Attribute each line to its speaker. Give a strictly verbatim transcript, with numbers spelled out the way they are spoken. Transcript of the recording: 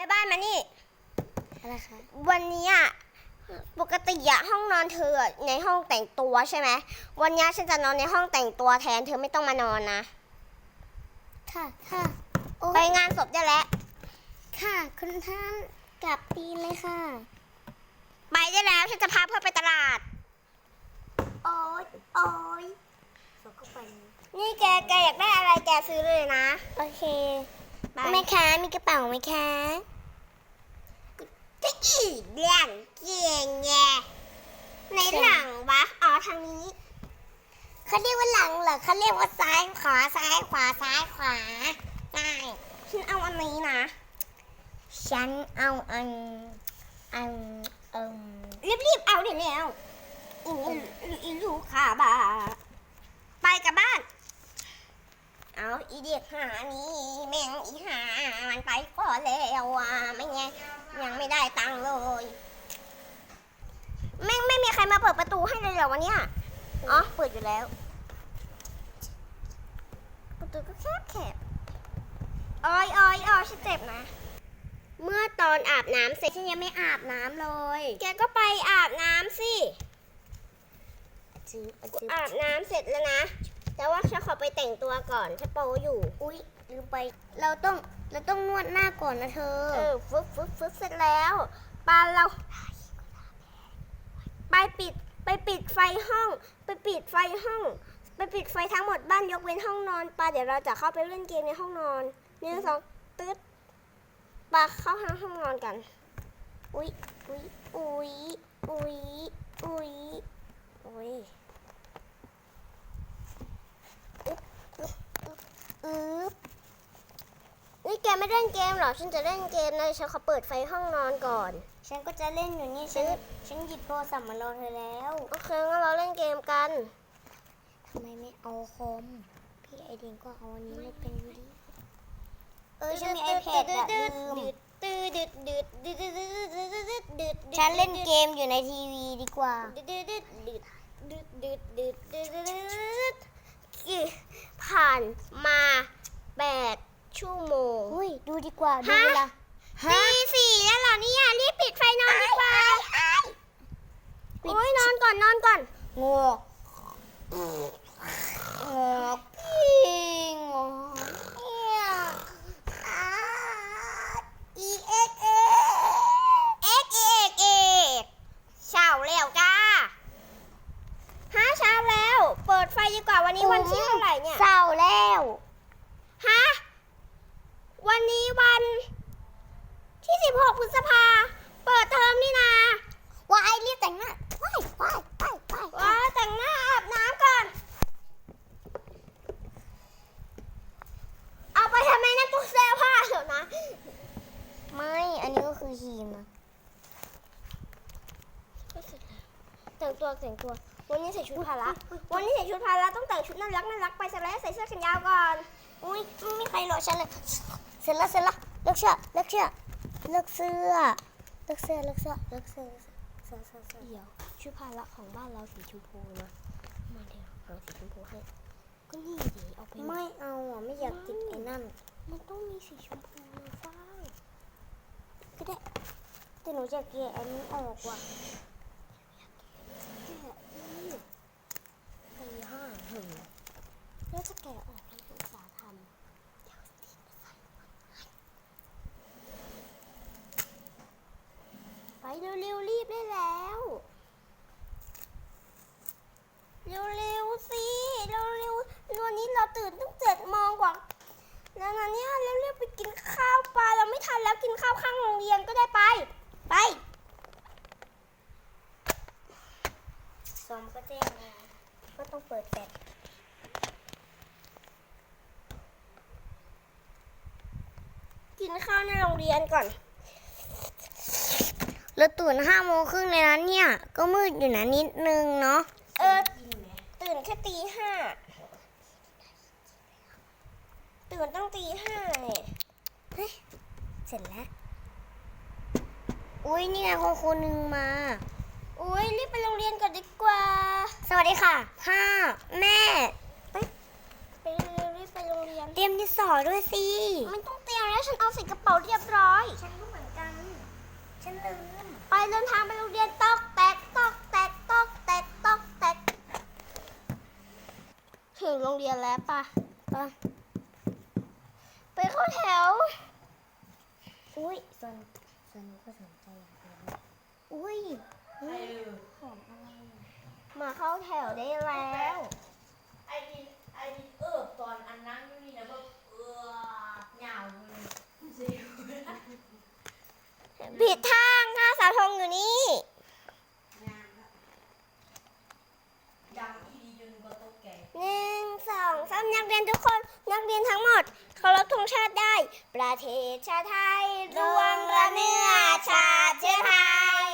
Speaker 1: บ้านมานี่
Speaker 2: อะไรคะ
Speaker 1: วันนี้อ่ะปกติอะห้องนอนเธอในห้องแต่งตัวใช่ไหมวันนี้ฉันจะนอนในห้องแต่งตัวแทนเธอไม่ต้องมานอนนะ
Speaker 2: ค่ะค่ะ
Speaker 1: ไปงานศพได้แล้ว
Speaker 2: ค่ะคุณท่านกลับดีเลยค่ะ
Speaker 1: ไปได้แล้วฉันจะพาเพื่อนไปตลาด
Speaker 2: โอ๊ยโอ๊ยเขาก็ไป
Speaker 1: นี่แกแกอยากได้อะไรแกซื้อเลยนะ
Speaker 2: โอเคแม่ค้ามีกระเป๋าไหมคะ
Speaker 1: ก็อีเลี้ยงเก่งแงในหลังวะอ๋อทางนี้
Speaker 2: เขาเรียกว่าหลังเหรอเขาเรียกว่าซ้ายขวาซ้ายขวาซ้ายขวา
Speaker 1: ง่ายฉันเอาอันนี้นะ
Speaker 2: ฉันเอาอันอันเอิม
Speaker 1: รีบๆเอาเดี๋ยวแล้วอีอีลูกค้าบ้าไปกับบ้านเอาอีเด็กหานี่แม่งอีหามันไปก่อนแล้วอ่ะไม่ไงยังไม่ได้ตังค์เลยแม่งไม่มีใครมาเปิดประตูให้เลยเหรอวันนี้อ๋อเปิดอยู่แล้วประตูก็แคบแคบอ้อยอ้อยอ้อยฉันเจ็บนะเมื่อตอนอาบน้ำเสร็จฉันยังไม่อาบน้ำเลยแกก็ไปอาบน้ำสิอาบน้ำเสร็จแล้วนะแต่ว่าฉันขอไปแต่งตัวก่อนฉันโปอยู่
Speaker 2: อุ๊ยลืมไปเราต้องเราต้องนวดหน้าก่อนนะเธอ
Speaker 1: เออฟึบฟึบฟึบเสร็จแล้วปาเราไปปิดไปปิดไฟห้องไปปิดไฟห้องไปปิดไฟทั้งหมดบ้านยกเว้นห้องนอนปาเดี๋ยวเราจะเข้าไปเล่นเกมในห้องนอนหนึ่งสองตึ๊ดปาเข้าห้องห้องนอนกันอุ๊ยอุ๊ยอุ๊ยอุ๊ยอุ๊ยอุ๊ยอือนี่แกไม่เล่นเกมหรอฉันจะเล่นเกมเลยฉันขอเปิดไฟห้องนอนก่อน
Speaker 2: ฉันก็จะเล่นอยู่นี่ฉันฉันหยิบโทรศัพท์มารอเธอแล้ว
Speaker 1: โอเคงั้นเราเล่นเกมกัน
Speaker 2: ทำไมไม่เอาคอมพี่ไอเดียก็เอาอันนี้ไม่เป็นดิเออฉันมีไอแพดอะลืมฉันเล่นเกมอยู่ในทีวีดีกว่า
Speaker 1: ผ่านมาแปดชั่วโมง
Speaker 2: เฮ้ยดูดีกว่าดูเวลา
Speaker 1: ตีสี่แล้วเหรอเนี่ยรีบปิดไฟนอนดีกว่าโอ้ยนอนก่อนนอนก่อน
Speaker 2: งัวงัวพี่งัว
Speaker 1: อีเอ็กเอ็กเอ็กเอ็กเอ็กเช้าแล้วจ้าฮะเช้าแล้วเปิดไฟดีกว่าวันนี้วันที่เท่าไหร่เนี่ย
Speaker 2: เช้าแล้ว
Speaker 1: ฮะวันนี้วันที่สิบหกพฤษภาเปิดเทอมนี่นาว
Speaker 2: ายรีบแต่งหน้าว้ายว้ายว้ายว้าย
Speaker 1: ว้ายแต่งหน้าอาบน้ำก่อนเอาไปทำไมนะตู้เสื้อผ้าเถอะนะ
Speaker 2: ไม่อันนี้ก็คือฮีมนะ
Speaker 1: แต่งตัวแต่งตัววันนี้ใส่ชุดพละวันนี้ใส่ชุดพละต้องแต่งชุดน่ารักน่ารักไปซะแล้วใส่เสื้อแขนยาวก่อน
Speaker 2: อุ้ยไม่มีใครรอฉันเลยเสร็จแล้วเสร็จแล้วเลิกเสื้อเลิกเสื้อเลิกเสื้อเลิกเสื้อเลิกเสื้อเลิกเสื้อเสื้อเสื้อเสื้อ
Speaker 1: เดี๋ยวชุดพละของบ้านเราสีชมพูนะมาเดี๋ยวเราสีชมพูให้ก็นี่ดิเอาไป
Speaker 2: ไม่เอาอ่ะไม่อยากติดไอ้นั่น
Speaker 1: มันต้องมีสีชมพูนะฟ้า
Speaker 2: ก็ได้แต่หนูจะเกลี่ยอันนี้ออกว่ะ
Speaker 1: แกะนี่ตีห้าหึงแล้วจะแกะออกทำภาษาทำไปเร็วๆรีบได้แล้วเร็วๆสิเร็วๆวันนี้เราตื่นตั้งเจ็ดโมงกว่าแล้วนะเนี่ยเร็วๆไปกินข้าวปลาเราไม่ทันแล้วกินข้าวข้างโรงเรียนก็ได้ไปไป
Speaker 2: ซอมก็แจ้งมาก็ต้องเปิดแฟลช
Speaker 1: กินข้าวในโรงเรียนก่อน
Speaker 2: เราตื่นห้าโมงครึ่งเลยนะเนี่ยก็มืดอยู่นะนิดนึงเนาะ
Speaker 1: เออตื่นแค่ตีห้าตื่นตั้งตีห้าเนี่ย
Speaker 2: เฮ้ยเสร็จแล้วอุ้ยนี่ไงคุณครูนึงมา
Speaker 1: อุ้ยรีบไปโรงเรียนก่อนดีกว่า
Speaker 2: สวัสดีค่ะพ่อแม่
Speaker 1: ไปไปเร็วรีบไปโรงเรียน
Speaker 2: เตรียมดินสอด้วยสิ
Speaker 1: ไม่ต้องเตรียมแล้วฉันเอาใส่กระเป๋าเรียบร้อย
Speaker 2: ฉันก็เหมือนฉันลืม
Speaker 1: ไปเดินทางไปโรงเรียนตอกแตกตอกแตกตอกแตกตอกแตกถึงโรงเรียนแล้วป่ะป่ะไปเข้าแถว
Speaker 2: อุ้ยส่วนส่วนนี้ก็สนใจอยากเรียนด้วยอุ้ยนี่ของอะไรอ่ะ
Speaker 1: มาเข้าแถวได้แล้ว
Speaker 3: ไอ้นี่ไอ้นี่เออตอนอันนั้นอยู่นี่นะแบบเออเหงาเลยเสียว
Speaker 1: ผิดทางค่ะเสาธงอยู่นี่
Speaker 3: ดังอีดีจนก็ตกแก่
Speaker 1: หนึ่งสองสามนักเรียนทุกคนนักเรียนทั้งหมดเคารพธงชาติได้ ประเทศชาติไทยรวมระเนื้อชาติเชื้อไทย